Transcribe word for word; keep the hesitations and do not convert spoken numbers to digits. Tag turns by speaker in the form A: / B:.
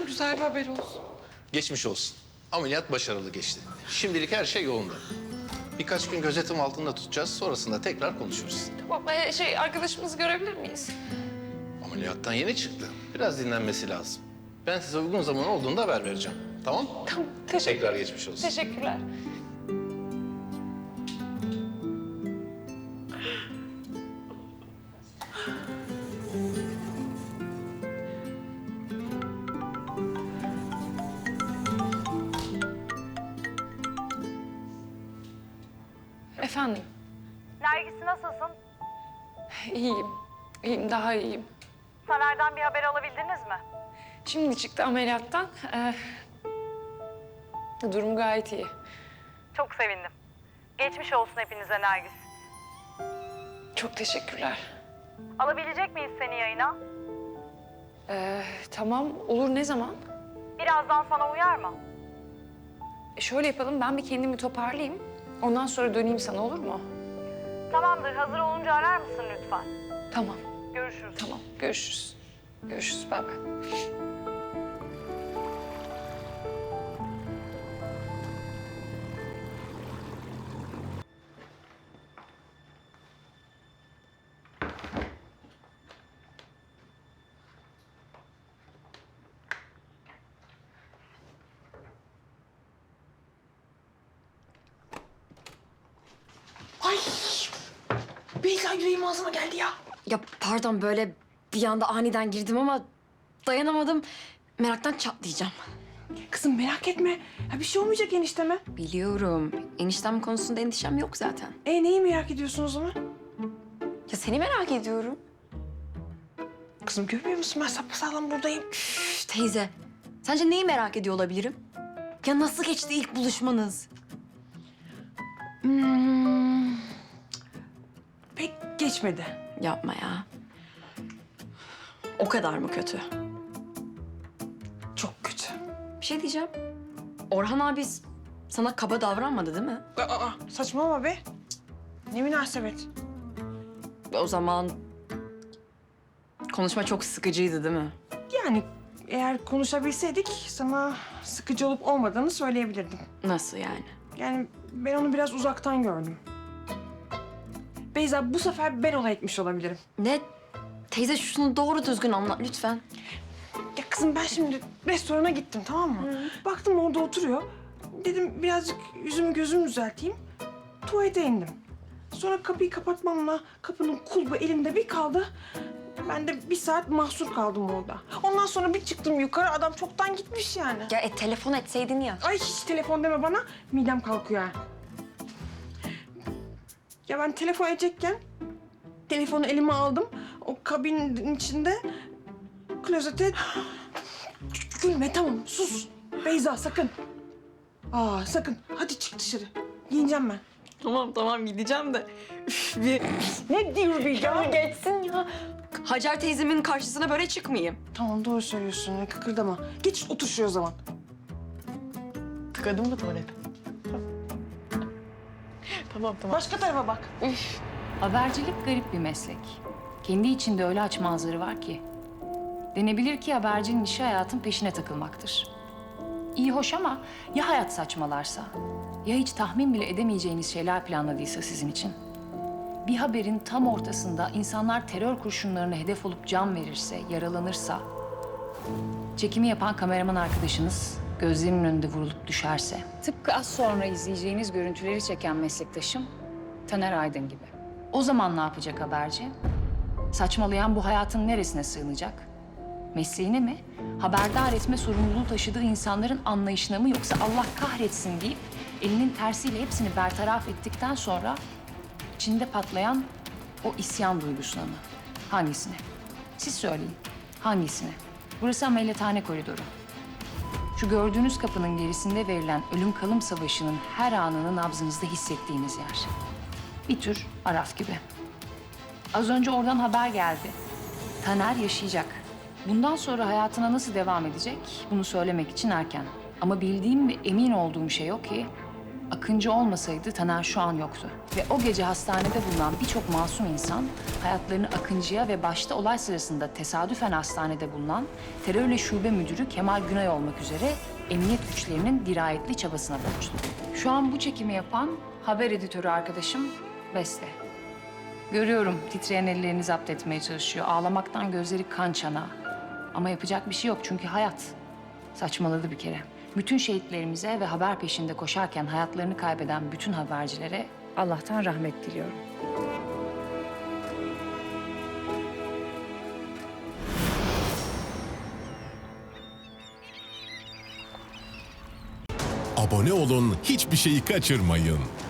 A: güzel bir haber olsun.
B: Geçmiş olsun. Ameliyat başarılı geçti. Şimdilik her şey yolunda. Birkaç gün gözetim altında tutacağız. Sonrasında tekrar konuşuruz.
A: Tamam, ee, şey arkadaşımızı görebilir miyiz?
B: Ameliyattan yeni çıktı. Biraz dinlenmesi lazım. Ben size uygun zaman olduğunda haber vereceğim. Tamam?
A: Tamam, teşekkür
B: Tekrar geçmiş olsun.
A: Teşekkürler. Efendim,
C: Nergis nasılsın?
A: iyiyim. İyiyim, daha iyiyim.
C: Taner'den bir haber alabildiniz mi?
A: Şimdi çıktı ameliyattan. Ee, durum gayet iyi.
C: Çok sevindim. Geçmiş olsun hepinize Nergis.
A: Çok teşekkürler.
C: Alabilecek miyiz seni yayına?
A: Ee, tamam, olur. Ne zaman?
C: Birazdan sana uyar mı?
A: E şöyle yapalım, ben bir kendimi toparlayayım. Ondan sonra döneyim sana, olur mu?
C: Tamamdır, hazır olunca arar mısın lütfen?
A: Tamam,
C: Görüşürüz.
A: tamam. Görüşürüz. Görüşürüz, bay bay.
D: Ay! Beyza yüreğim ağzıma geldi ya.
E: Ya pardon böyle bir anda aniden girdim ama dayanamadım. Meraktan çatlayacağım.
D: Kızım merak etme. Ya bir şey olmayacak enişteme.
E: Biliyorum. Eniştem konusunda endişem yok zaten.
D: E neyi merak ediyorsun o zaman?
E: Ya seni merak ediyorum.
D: Kızım görmüyor musun ben sapasağlam buradayım.
E: Üf, teyze, sence neyi merak ediyor olabilirim? Ya nasıl geçti ilk buluşmanız?
D: Hmm, pek geçmedi.
E: Yapma ya. O kadar mı kötü?
D: Çok kötü.
E: Bir şey diyeceğim. Orhan abi sana kaba davranmadı değil mi?
D: Aa, aa, saçmalama be. Ne münasebet.
E: O zaman konuşma çok sıkıcıydı değil mi?
D: Yani eğer konuşabilseydik sana sıkıcı olup olmadığını söyleyebilirdim.
E: Nasıl yani?
D: Yani ben onu biraz uzaktan gördüm. Beyza bu sefer ben olay etmiş olabilirim.
E: Ne? Teyze şunu doğru düzgün anlat lütfen.
D: Ya kızım ben şimdi restorana gittim tamam mı? Baktım orada oturuyor. Dedim birazcık yüzümü gözümü düzelteyim. Tuvalete indim. Sonra kapıyı kapatmamla kapının kulbu elimde bir kaldı. Ben de bir saat mahsur kaldım orada. Ondan sonra bir çıktım yukarı adam çoktan gitmiş yani.
E: Ya e, telefon etseydin ya.
D: Ay hiç telefon deme bana. Midem kalkıyor ha. Ya ben telefon edecekken telefonu elime aldım. O kabinin içinde klozete... Gülme tamam sus. Beyza sakın. Aa sakın. Hadi çık dışarı. Giyineceğim ben.
E: Tamam tamam gideceğim de. Üf, bir...
D: Ne diyor bir ya?
E: Geçsin ya. Hacer teyzemin karşısına böyle çıkmayayım.
D: Tamam doğru söylüyorsun. Kıkırdama. Geç otur şuraya o zaman.
E: Tıkadın mı tuvalet? Tamam tamam.
D: Başka tarafa bak.
F: Habercilik garip bir meslek. Kendi içinde öyle açmazları var ki. Denebilir ki habercinin işi hayatın peşine takılmaktır. İyi hoş ama ya hayat saçmalarsa? Ya hiç tahmin bile edemeyeceğiniz şeyler planladıysa sizin için? Bir haberin tam ortasında insanlar terör kurşunlarına hedef olup can verirse, yaralanırsa... Çekimi yapan kameraman arkadaşınız gözlerinin önünde vurulup düşerse... Tıpkı az sonra izleyeceğiniz görüntüleri çeken meslektaşım Taner Aydın gibi. O zaman ne yapacak haberci? Saçmalayan bu hayatın neresine sığınacak? Mesleğine mi? Haberdar etme sorumluluğu taşıdığı insanların anlayışına mı yoksa Allah kahretsin deyip elinin tersiyle hepsini bertaraf ettikten sonra içinde patlayan o isyan duygusuna mı? Hangisine? Siz söyleyin. Hangisine? Burası ameliyathane koridoru. Şu gördüğünüz kapının gerisinde verilen ölüm kalım savaşının her anını nabzınızda hissettiğiniz yer. Bir tür Araf gibi. Az önce oradan haber geldi. Taner yaşayacak. Bundan sonra hayatına nasıl devam edecek bunu söylemek için erken. Ama bildiğim ve emin olduğum şey o ki Akıncı olmasaydı Taner şu an yoktu. Ve o gece hastanede bulunan birçok masum insan hayatlarını Akıncı'ya ve başta olay sırasında tesadüfen hastanede bulunan terörle şube müdürü Kemal Günay olmak üzere emniyet güçlerinin dirayetli çabasına borçlu. Şu an bu çekimi yapan haber editörü arkadaşım Beste. Görüyorum titreyen ellerini zapt etmeye çalışıyor. Ağlamaktan gözleri kan çanağı. Ama yapacak bir şey yok çünkü hayat. Saçmaladı bir kere. Bütün şehitlerimize ve haber peşinde koşarken hayatlarını kaybeden bütün habercilere Allah'tan rahmet diliyorum.
G: Abone olun, hiçbir şeyi kaçırmayın.